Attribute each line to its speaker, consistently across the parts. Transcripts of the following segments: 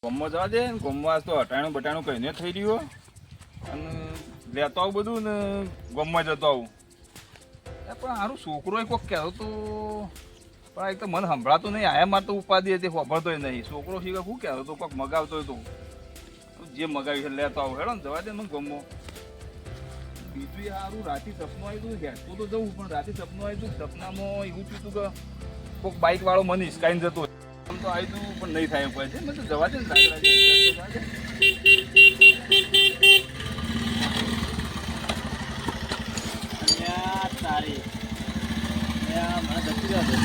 Speaker 1: ગોમમાં જવા દે ને ગોમમાં તો હટાણું બટાણું કહીને થઈ રહ્યું અને લેતો આવું બધું ને ગોમમાં જતો આવું પણ સારું છોકરો એ કોઈક કહેતો તો પણ એક તો મને સંભળાતું નહીં આયા મારે તો ઉપાધિ હતી ખબરતોય નહીં છોકરો શીખે શું કહેતો તો કોઈક મગાવતો તો જે મગાવ્યું છે લેતો આવું હેડો ને જવા દે મને ગમો બીજું સારું રાતે સપનું આવ્યું હતું હેઠતું તો જવું પણ રાતે સપનું આવ્યું હતું સપનામાં એવું થયું હતું કે કોઈક બાઇક વાળો મને હિસકાઈને જતો આમ તો આવ્યું હતું પણ નહીં થાય પડે છે મેં તો જવા દે ને
Speaker 2: તારી મને જતી રહ્યો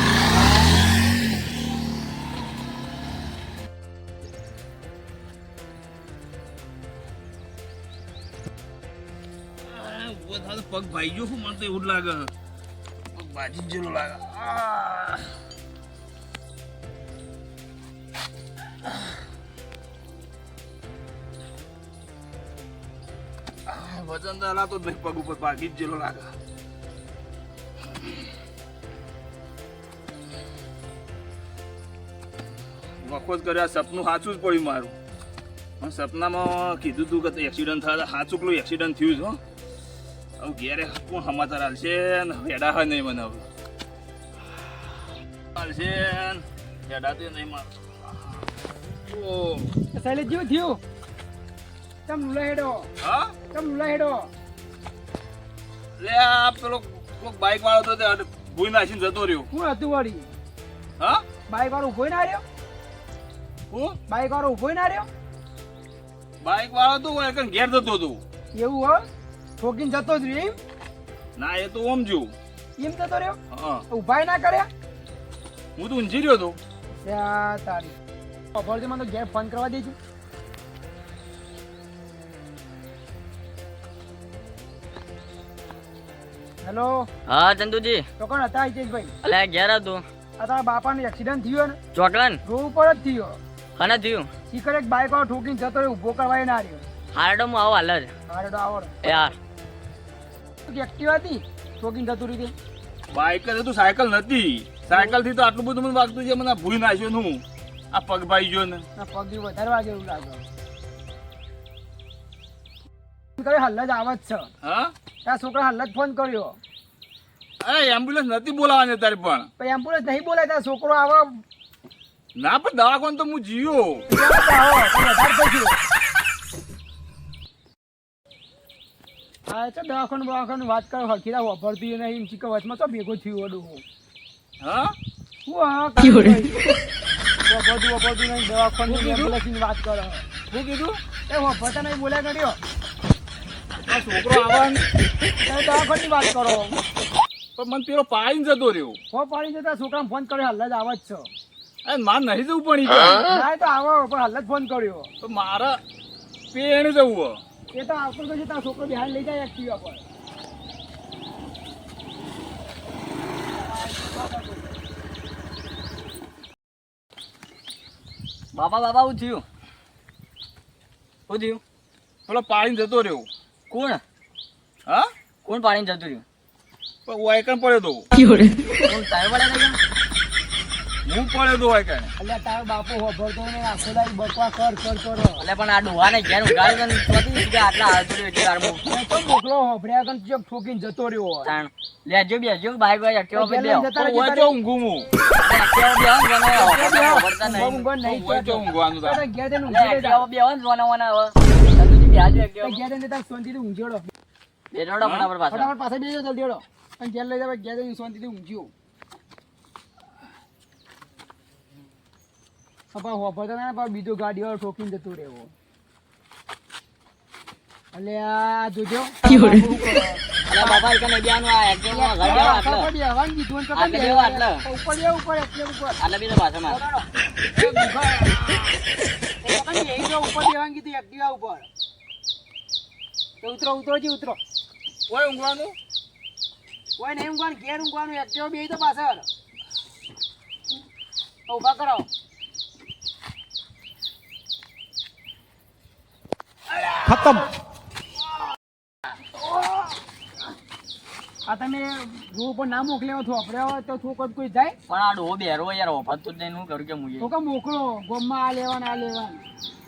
Speaker 1: પગ ભાઈ ગયો શું મને તો એવું જ લાગે પગ બાજી જ જેલો લાગે વજન તો હલાતો જ નહીં પગ ઉપર બાજી જ જેલો લાગે વખો જ કર્યા સપનું સાચું જ પડ્યું મારું સપનામાં કીધું તું કે એક્સિડન્ટ થાય સાચું પેલું એક્સિડન્ટ થયું છે હવે ઘેરે કોણ સમાચાર હાલશે ને હેડા હોય નહીં મને હવે હાલશે હેડા તો નહીં મારે
Speaker 3: શૈલેષ જેવું થયું તમ લુલા હેડો
Speaker 1: હા
Speaker 3: તમ લુલા હેડો
Speaker 1: લે આ પેલો કોઈક બાઇક વાળો તો તે ભૂઈ નાખીને જતો રહ્યો
Speaker 3: શું હતું વળી
Speaker 1: હા
Speaker 3: બાઈક વાળો ઉભો ના રહ્યો
Speaker 1: હું
Speaker 3: બાઈક વાળો ઉભો ના રહ્યો
Speaker 1: બાઇક વાળો તો ઘેર જતો હતો
Speaker 3: એવું હો ઠોકીને જતો જ રહ્યો એમ
Speaker 1: ના એ તો ઓમ જોઉં
Speaker 3: એમ જતો રહ્યો
Speaker 1: હા
Speaker 3: ઉભાય ના કર્યા
Speaker 1: હું તો ઊંઝી રહ્યો હતો
Speaker 3: ત્યાં તારી ખબર મને તો ઘેર ફોન કરવા દેજો હેલો
Speaker 2: હા ચંદુજી
Speaker 3: તો કોણ હતા હિતેશભાઈ
Speaker 2: અલે ઘેર હતું
Speaker 3: આ તારા બાપાને એક્સિડન્ટ થયો ને
Speaker 2: ચોકલન
Speaker 3: રોડ ઉપર જ થયો
Speaker 2: કને થયું
Speaker 3: શીખર એક બાઈક વાળો ઠોકીને જતો રહ્યો ઉભો કરવાય ના રહ્યો
Speaker 2: હારડો હું આવો હાલ જ
Speaker 3: હારે તો આવડો
Speaker 2: યાર
Speaker 3: એક્ટિવા હતી ઠોકીને જતું રીતે
Speaker 1: બાઇક જ હતું સાયકલ નથી સાયકલ થી તો આટલું બધું મને વાગતું છે મને ભૂઈ નાખ્યો નું આ પગ ભાઈ ગયો ને
Speaker 3: ના પગ વધારે વાગે એવું લાગે કરે હાલ જ આવત છે
Speaker 1: હા
Speaker 3: ત્યાં છોકરા હાલ જ ફોન કર્યો
Speaker 1: અરે એમ્બ્યુલન્સ નથી બોલાવાની તારી પણ
Speaker 3: પણ એમ્બ્યુલન્સ નહીં બોલાય ત્યાં છોકરો આવો
Speaker 1: ના પણ દવાખાને તો હું જીયો
Speaker 3: હા તો દવાખાનું વાત કરો હરખીરા વાપરતી નહીં ચીકર વચમાં તો ભેગો થયું વડું
Speaker 1: હા
Speaker 3: શું હા વાપરતું નહીં દવાખાની એમ્બ્યુલન્સની વાત કરો
Speaker 1: શું કીધું
Speaker 3: એ વાપરતા નહીં બોલ્યા કર્યો
Speaker 1: આ છોકરો આવવાનું
Speaker 3: તમે દવાખાની વાત કરો
Speaker 1: પણ મને પેલો પાડીને જતો રહ્યો
Speaker 3: હો પાડી જતા છોકરાને ફોન કર્યો હાલ જ આવત છે
Speaker 1: અરે મારે નહીં જવું પણ
Speaker 3: ના તો આવો પણ હાલ જ ફોન કર્યો
Speaker 1: તો મારે પેણે જવું
Speaker 3: એ તો આવતો પછી તારો છોકરો બિહાર લઈ જાય એક્ટિવા પર
Speaker 2: બાબા હું થયું શું થયું
Speaker 1: પેલો પાડીને જતો રહ્યો
Speaker 2: કોણ
Speaker 1: હા
Speaker 2: કોણ પાણીને જતું રહ્યું
Speaker 1: પણ વાયકણ પડ્યો તો
Speaker 2: કોણ તારે વડે નહીં
Speaker 1: હું પડ્યો તો વાયકણ
Speaker 3: એટલે તારો બાપુ વાપરતો ને આખો દાડી બકવા કર કરો
Speaker 2: એટલે પણ આ ડોહાને ઘેર ઉગાડી ને ચોથી કે આટલા હાલતું રહ્યું એટલે વારમાં
Speaker 3: મેં તો મોકલો હોભળ્યા કન ચેક ઠોકીને જતો રહ્યો હોય.
Speaker 2: તાણ લેજો બેજો બાઈક વાઈક એક્ટિવા પર બેહો
Speaker 3: જતા રહેજો,
Speaker 1: હું
Speaker 3: તારે-
Speaker 1: તો ઊંઘું હું
Speaker 2: એક્ટિવા બેહો ને જોને
Speaker 3: ઊંઘવા
Speaker 2: વળતા નહીં
Speaker 3: ઊંઘવા નહીં
Speaker 1: હું તો
Speaker 3: થતો.
Speaker 1: ઊંઘવાનું તારે.
Speaker 3: તારે ઘેર જઈને
Speaker 2: એટલે
Speaker 3: ઊંઘી
Speaker 2: એક્ટિવા
Speaker 3: લેજો.
Speaker 2: પર બેહો ને જોને વને હવે સંતુજી બેહાજો
Speaker 3: તારે
Speaker 2: એક્ટિવા
Speaker 3: ઘેર જઈને તારે શાંતિથી ઊંઘી લેજો.
Speaker 2: બેઠોડો ફટાફટ પાછા
Speaker 3: ફટાફટ પાછા બેસી જાઓ જલ્દી હેડો. અને ઘેર લઈ જાવ ઘેર જઈને શાંતિથી ઊંઘ્યો પપ્પા હોભળતા ના પાછો બીજો ગાડી વાળો ઠોકીને જતો રહેવો. એટલે આ જોજો
Speaker 2: અલે બાબા એક ને બેવાનું આ એક્ટિવા માં ઘર બેહો આટલે
Speaker 3: ઉપર બેહવાનું કીધું ને
Speaker 2: આટલે
Speaker 3: કપાઈ
Speaker 2: બેહો આટલે
Speaker 3: ઉપર બેહો, ઉપર એકલા ઉપર
Speaker 2: આટલે બેહો પાછા માર
Speaker 3: ઉપર બેહવાનું કીધું એક્ટિવા ઉપર. તો ઉતરો જી ઉતરો.
Speaker 1: ઓય ઊંઘવાનું
Speaker 3: કોઈ નહીં ઊંઘવાનું, ઘેર ઊંઘવાનું. એક્ટિવા બેહી તો પાછળ ઊભા કરો. ખતમ. આ તમે રોડ ઉપર ના મોકલ્યા હોય થોપડ્યા હોય તો થોક કોઈ જાય
Speaker 2: પણ આ ડોહો બેરો યાર વફાત જ નહીં હું કરું કે મુજે
Speaker 3: તો કે મોકલો ગોમમાં આ લેવાનું આ લેવાનું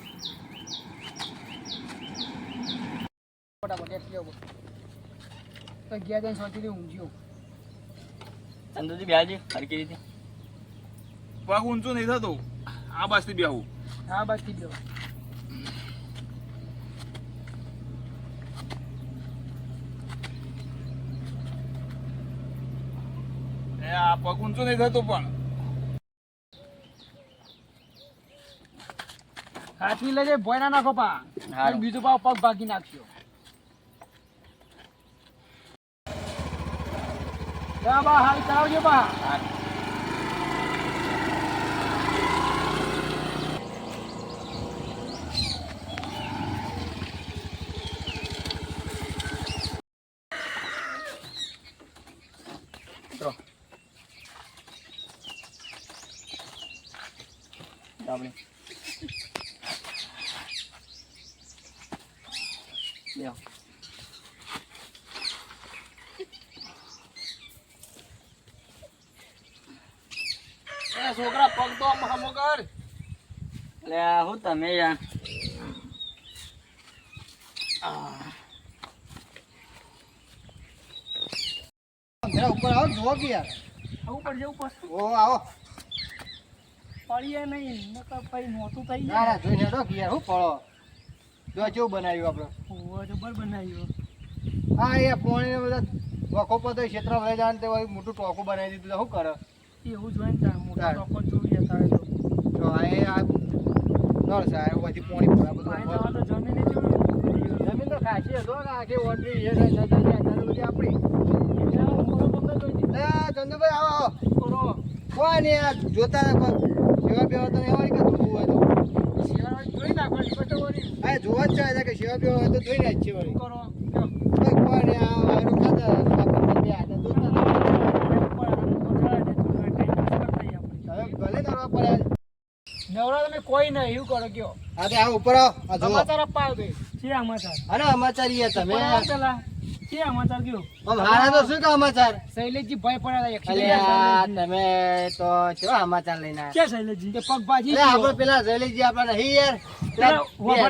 Speaker 3: ફટાફટ એક લેવો તો ગયા જઈને શાંતિથી ઊંઘ્યો
Speaker 2: ચંદુજી બેહાજી હરકી રીતે
Speaker 1: પગ ઊંચું નહીં થતું આ બાજથી બેહું
Speaker 3: હા બસ થઈ ગયો
Speaker 1: એ આ પગ ઊંચું નહીં થતું પણ
Speaker 3: હાથની લેજે ભોય ના નાખો પા
Speaker 2: હારું.
Speaker 3: બીજું પા પગ ભાગી નાખશો જા બા હાલ ચલાવજો બા
Speaker 2: આપણે લ્યો
Speaker 1: એ છોકરા પગ તો આમ હમો કર
Speaker 2: એટલે હું તમે યાર
Speaker 3: જરા ઉપર આવો જોવો કે યાર
Speaker 2: આવું પડશે ઉપર
Speaker 3: ઓ આવો
Speaker 2: પડીએ નહીં નકર પછી મોટું થઈ
Speaker 3: ના ના જોઈને હેડો કે યાર હું પડો જો કેવું બનાવ્યું આપણે
Speaker 2: ઓહો જબર બનાવ્યું
Speaker 3: હા એ પોણી બધા વખો પતો ક્ષેત્ર વહી જાય ને તે વળી મોટું ટોકું બનાવી દીધું તો શું કરે
Speaker 2: એવું જ હોય ને તાર મોટો
Speaker 3: તાર.
Speaker 2: ટોકો જોઈએ તારે તો
Speaker 3: તો આ એ આ નળ સાહેબ બધી પોણી પડે
Speaker 2: પાણી
Speaker 3: બધું
Speaker 2: તો જમીને જોયું
Speaker 3: જમીન તો ખાસી હતો ને આખી ઓટરી છે નજર બધી આપણી એ ચંદુભાઈ આવો આવો કોઈ નહીં આ જોતા સેવા બેવા તો એવા કે ધોવું હોય તો
Speaker 2: જોઈ નાખવાની પટોરી
Speaker 3: હા જોવા જ ચાહે કે સેવા બેવા હોય તો ધોઈ નાખ છે વળી
Speaker 2: કરો
Speaker 3: કોઈ નહીં આ વાયરો ખાતા આપણે બે હાથે ધોતા હવે ભલે નરવા પડ્યા
Speaker 2: નવરા તમે કોઈ નહીં એવું કરો કયો
Speaker 3: હા તે આ ઉપર આવો આ જોવો
Speaker 2: સમાચાર આપવા આવ્યો છે સમાચાર
Speaker 3: અરે સમાચાર ઈ તમે
Speaker 2: પેલા છે સમાચાર કયો
Speaker 3: આમ હારા તો શું કે સમાચાર
Speaker 2: શૈલેષજી ભય પડ્યા
Speaker 3: અલે આ તમે તો કેવા સમાચાર લઈને આવ્યા
Speaker 2: કે શૈલેષજી કે પગ ભાજી
Speaker 3: અરે આપણે પેલા જયલીજી આપણા નહીં યાર
Speaker 2: પેલા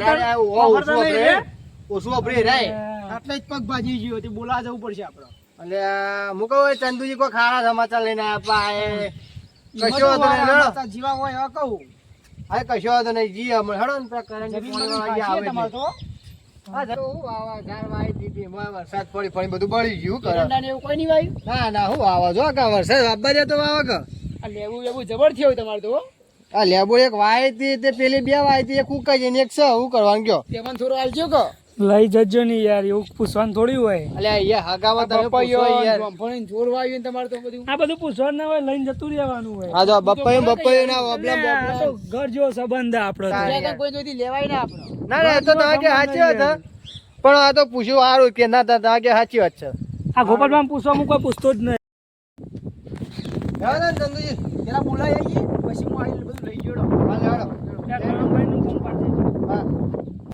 Speaker 3: ઓછું વાપરી રે
Speaker 2: આટલે જ પગ ભાજી ગયો તે બોલાવા જવું પડશે આપણે
Speaker 3: એટલે મુકો ચંદુજી કોઈ ખારા સમાચાર લઈને આપ્યા એ કશો વાંધો નહીં હેડો.
Speaker 2: જીવા હોય એવા કહું
Speaker 3: હા કશો વાંધો નહીં જી હમણાં હેડો ને પેલા કરંજી
Speaker 2: જમીન
Speaker 3: પોણી
Speaker 2: બમીન
Speaker 3: વાળા
Speaker 2: ખાસી
Speaker 3: આવે
Speaker 2: તમારે
Speaker 3: છે.
Speaker 2: તો
Speaker 3: હા તો હું આવા ગાર વાઈ દીધી એમાં વરસાદ પડી પડી બધું બળી ગયું કરે
Speaker 2: એરંડા ને એવું કોઈ નહીં વાયું
Speaker 3: ના ના હું આવા જો કે વરસાદ વાપવા જતો આવા કે
Speaker 2: આ લેવું એવું જબર થયો તમારે તો
Speaker 3: આ લેબો એક વાઈ હતી તે પેલી બે વાઈ હતી એક ઉકાઈ જઈને એક છે હું કરવાનું કયો
Speaker 2: તેમાં થોડો આલજો કે લઈ જજો ને યાર એવું પૂછવાનું થોડી હોય
Speaker 3: એટલે અહીંયા હગામાં તમે પૂછો યાર
Speaker 2: જોર વાયું તમારે તો બધું આ બધું પૂછવાનું ના હોય લઈને જતું રહેવાનું હોય
Speaker 3: હા તો બપ્પાયું ના ઓબલા
Speaker 2: ઘર જેવો સંબંધ આપણો
Speaker 3: તારે.
Speaker 2: કોઈ જોઈતી લેવાય ના આપણો
Speaker 3: ના ના એ તો તમે કે સાચી વાત છે. પણ આ તો પૂછ્યું સારું કે ના તમે કે સાચી વાત છે
Speaker 2: આ ગોપાલભાઈ પૂછવા હું કોઈ પૂછતો જ નહીં
Speaker 3: હા ને ચંદુજી
Speaker 2: પેલા બોલાય પછી હું આવીને બધું લઈ ગયો
Speaker 3: હાલો હાલો
Speaker 2: ગણભાઈ નું ફોન પાડે
Speaker 3: હા